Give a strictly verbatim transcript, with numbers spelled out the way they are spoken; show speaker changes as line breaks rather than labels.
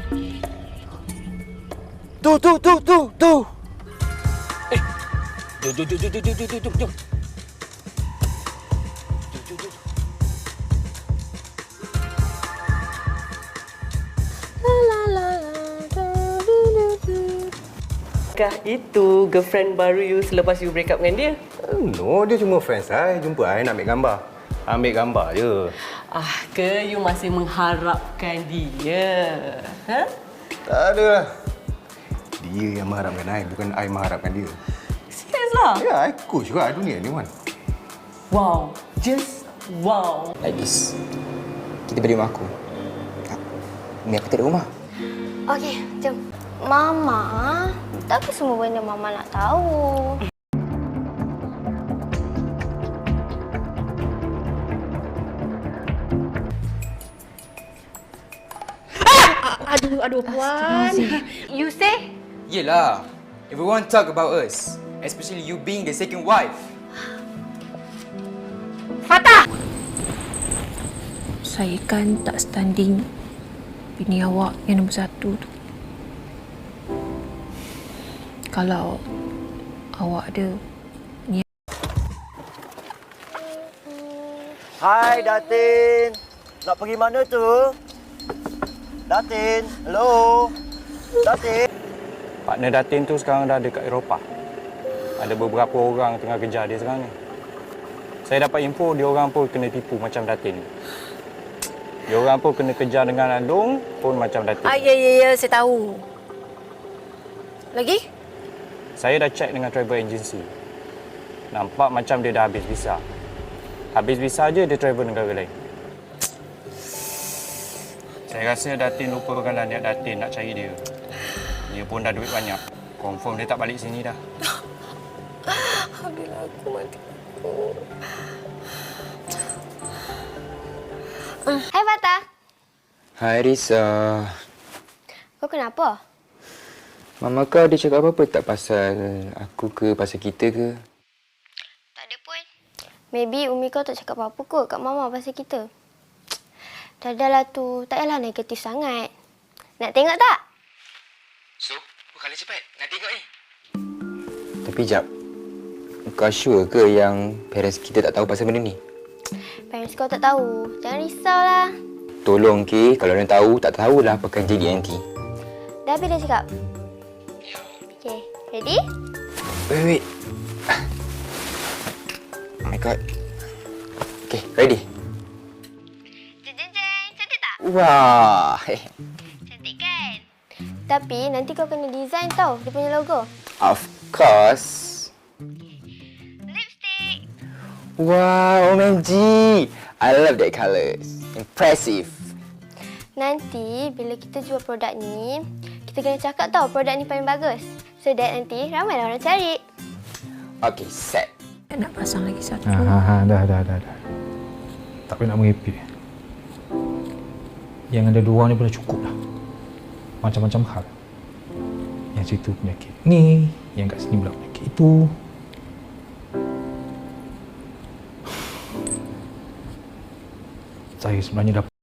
Tu, tu, tu, tu, tu.
Eh, jom, jom, jom, jom, jom, jom, jom, jom, jom.
Kah itu girlfriend baru you selepas you break up dengan dia?
No, dia cuma friends saya. Jumpa saya nak ambil gambar. Ambil gambar je.
Ah, ke you masih mengharapkan dia? Ha?
Tak ada lah. Dia yang mengharapkan saya, bukan saya mengharapkan dia.
Serius lah?
Ya, saya coach juga dunia ni, Wan.
Wow, just wow.
Lagis, kita balik rumah aku. Ni aku tak ada rumah.
Okey, jom. Mama, tak apa semua benda Mama nak tahu. Ah! Aduh, aduh, Puan. You say?
Yelah, everyone talk about us. Especially you being the second wife.
Fatah!
Saya kan tak standing bini awak yang nombor satu tu. Kalau awak ada niat.
Hai Datin. Nak pergi mana tu? Datin, hello. Datin.
Partner Datin tu sekarang dah dekat Eropah. Ada beberapa orang tengah kejar dia sekarang ni. Saya dapat info dia orang pun kena tipu macam Datin. Dia orang pun kena kejar dengan Alung pun macam Datin.
Ah, ya, ya, ya, saya tahu. Lagi?
Saya dah check dengan travel agency. Nampak macam dia dah habis visa. Habis visa je dia travel negara lain. Saya rasa Datin lupakanlah niat Datin nak cari dia. Dia pun dah duit banyak. Confirm dia tak balik sini dah.
Alhamdulillah, aku mati aku.
Hai Fatah.
Hai Risa.
Kau kenapa?
Mama kau ada cakap apa-apa tak pasal aku ke, pasal kita ke?
Tak ada pun. Maybe Umi kau tak cakap apa-apa kot kat Mama pasal kita. Dah dah lah tu. Tak payahlah negatif sangat. Nak tengok tak?
So, kali cepat. Nak tengok ni. Tapi jap. Kau sure ke yang parents kita tak tahu pasal benda ni?
Parents kau tak tahu. Jangan risaulah.
Tolong ke, kalau orang tahu, tak tahulah apa akan jadi nanti.
Dah habis dah cakap? Okay, ready?
Wait, wait. Oh my god. Okay, ready?
Jeng, jeng, jeng. Cantik tak?
Wah.
Cantik kan? Tapi nanti kau kena design tau dia punya logo.
Of course.
Lipstick.
Wow, O M G. I love that colours. Impressive.
Nanti bila kita jual produk ni, kita kena cakap tau produk ni paling bagus. So that nanti ramai orang cari.
Okay, set.
Nak pasang lagi satu.
Ha, ha, ha, dah, dah, dah, dah. Tak payah nak merepek. Yang ada dua ni pun dah cukup lah. Macam-macam hal. Yang situ penyakit ni, yang kat sini pula penyakit itu. Saya sebenarnya dah